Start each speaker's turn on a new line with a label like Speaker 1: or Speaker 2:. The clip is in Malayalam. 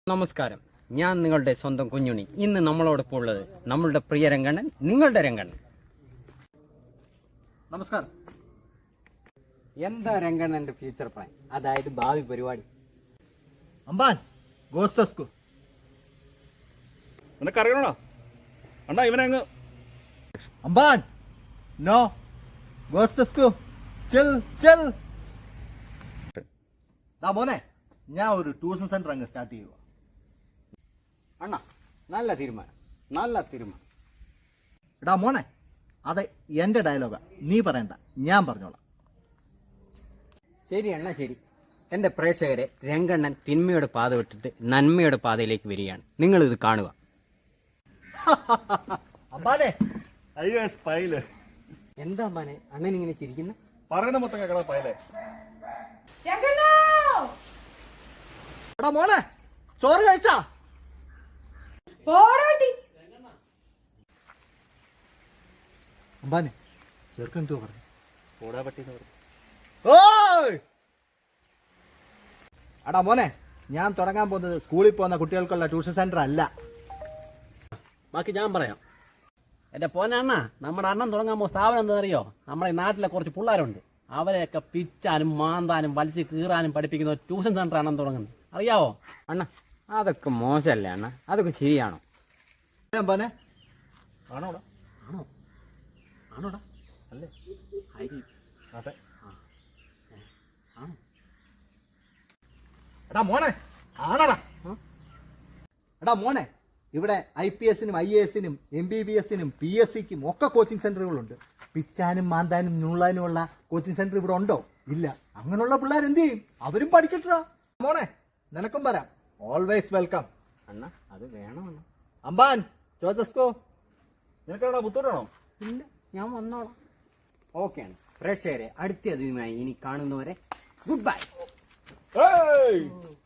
Speaker 1: നമസ്കാരം, ഞാൻ നിങ്ങളുടെ സ്വന്തം കുഞ്ഞുണ്ണി. ഇന്ന് നമ്മളോടൊപ്പം ഉള്ളത് നമ്മളുടെ പ്രിയ രംഗണ്ണൻ, നിങ്ങളുടെ രംഗണ്ണൻ.
Speaker 2: നമസ്കാരം.
Speaker 1: എന്താ രംഗണ്ണന്റെ ഫ്യൂച്ചർ പ്ലാൻ, അതായത് ഭാവി പരിപാടി?
Speaker 2: അമ്പാൻ ഗോസ്തസ്കു
Speaker 3: നിനക്കറിയണോ അണ്ണാ ഇവനങ്ങ്
Speaker 2: അമ്പാൻ നോ ഗോസ്തസ്കു ചിൽ ചിൽ. മോനെ, ഞാൻ ഒരു ട്യൂഷൻ സെന്റർ അങ്ങ് സ്റ്റാർട്ട് ചെയ്യുക.
Speaker 1: അണ്ണാ, നല്ല തീരുമാനം, നല്ല തീരുമാനം.
Speaker 2: എടാ മോനെ, അത് എന്റെ ഡയലോഗാ, നീ പറയണ്ട, ഞാൻ പറഞ്ഞോളാം.
Speaker 1: ശരി അണ്ണാ, ശരി. എൻ്റെ പ്രേക്ഷകരെ, രംഗണ്ണൻ തിന്മയുടെ പാത വിട്ടിട്ട് നന്മയുടെ പാതയിലേക്ക് വരികയാണ്. നിങ്ങളിത് കാണുക.
Speaker 2: അമ്പാനെ,
Speaker 3: അയ്യോ പൈല്
Speaker 1: എന്താ അമ്മാനെ അണ്ണൻ ഇങ്ങനെ ചിരിക്കുന്ന?
Speaker 3: പറയുന്ന മൊത്തം കേൾക്കണം പൈലേ.
Speaker 2: എടാ മോനെ, ചോറ് കഴിച്ചാ? അമ്പാനെ, ചെറുക്കൻ എന്തോ പറഞ്ഞു?
Speaker 3: ഓടാ പറ്റിയെന്ന് പറഞ്ഞു.
Speaker 2: ഓയ്! എടാ മോനെ, ഞാൻ തുടങ്ങാൻ പോകുന്നത് സ്കൂളിൽ പോകുന്ന കുട്ടികൾക്കുള്ള ട്യൂഷൻ സെന്റർ അല്ല.
Speaker 1: ബാക്കി ഞാൻ പറയാം. എൻ്റെ പോനണ്ണ, നമ്മുടെ അണ്ണൻ തുടങ്ങാൻ പോകുന്ന സ്ഥാപനം എന്താണെന്നറിയോ? നമ്മുടെ ഈ നാട്ടിലെ കുറച്ച് പിള്ളേരുണ്ട്, അവരെയൊക്കെ പിച്ചാനും മാന്താനും വലിച്ച് കീറാനും പഠിപ്പിക്കുന്ന ഒരു ട്യൂഷൻ സെൻ്റർ അണ്ണൻ തുടങ്ങുന്നത്, അറിയാവോ അണ്ണ? അതൊക്കെ മോശമല്ലേ അണ്ണ? അതൊക്കെ ശരിയാണോ
Speaker 2: അമ്പാനെ?
Speaker 3: ആണോടാ?
Speaker 1: ആണോ? ആണോടാ?
Speaker 3: അല്ലേ?
Speaker 1: ഹരി,
Speaker 3: അതെ.
Speaker 1: ആണോ?
Speaker 2: എടാ മോനെ, ആണടാ. എടാ മോനെ, ഇവിടെ IPS-നും IAS-നും MBBS-നും PSC-ക്കും ഒക്കെ കോച്ചിങ് സെന്ററുകളുണ്ട്. പിച്ചാനും മാന്താനും ഞുള്ളാനുമുള്ള കോച്ചിങ് സെന്റർ ഇവിടെ ഉണ്ടോ? ഇല്ല. അങ്ങനെയുള്ള പിള്ളേർ എന്ത് ചെയ്യും? അവരും പഠിക്കട്ടാ. മോനെ, നിനക്കും വരാം. Always welcome.
Speaker 1: അണ്ണ, അത് വേണം അണ്ണ.
Speaker 2: അമ്പാൻ ചോദസ്കോ.
Speaker 3: നിനക്കാണോ ബുദ്ധിമുട്ടാണോ?
Speaker 1: ഇല്ല, ഞാൻ വന്നോളാം. ഓക്കെ ആണ്. പ്രേക്ഷകരെ, അടുത്ത അതിനുമായി ഇനി കാണുന്നവരെ ഗുഡ് ബൈ.
Speaker 3: ഏയ്